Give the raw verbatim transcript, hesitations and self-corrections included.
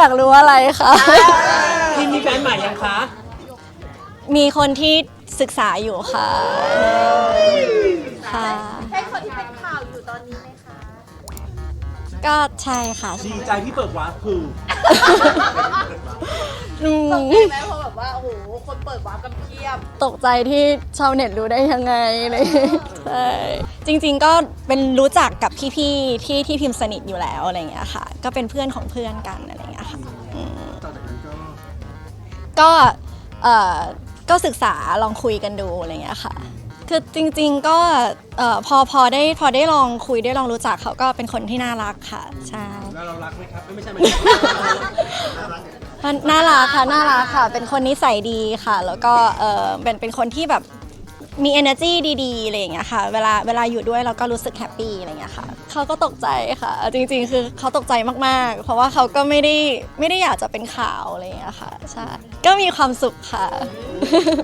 ากรู้อะไรคะพี่มีแฟนใหม่ยังคะมีคนที่ศึกษาอยู่ค่ะค่ะใช่คนที่เป็นข่าวอยู่ตอนนี้ไหมคะก็ใช่ค่ะดีใจที่เปิดวาร์ปคืออืมตกใจไหมเพราะแบบว่าโอ้โหคนเปิดวาร์ปกันเพียบตกใจที่ชาวเน็ตรู้ได้ยังไงเลยใช่จริงๆก็เป็นรู้จักกับพี่ๆที่ที่พิมพ์สนิทอยู่แล้วอะไรอย่างเงี้ยค่ะ ก็เป็นเพื่อนของเพื่อนกันอะไรอย่างเงี้ยค่ะอืมต่อจากนั้นก็ก็เอ่อก็ศึกษาลองคุยกันดูอะไรอย่างเงี้ยค่ะ คือจริงๆก็เอ่อพอพอได้พอได้ลองคุยได้ลองรู้จักเขาก็เป็นคนที่น่ารักค่ะใช่แล้วเรารักไหมครับไม่ใช่ไหมมันน่ารักค่ะน่ารักค่ะ เป็นคนนิสัยดีค่ะ แล้วก็เออเป็นเป็นคนที่แบบมี energy ดีๆอะไรอย่างเงี้ยค่ะเวลาเวลาอยู่ด้วยเราก็รู้สึกแฮปปี้อะไรอย่างเงี้ยค่ะเขาก็ตกใจค่ะ จริงๆ คือเขาตกใจมากๆ เพราะว่าเขาก็ไม่ได้ไม่ได้อยากจะเป็นข่าวอะไรอย่างเงี้ยค่ะใช่ก็มีความสุขค่ะ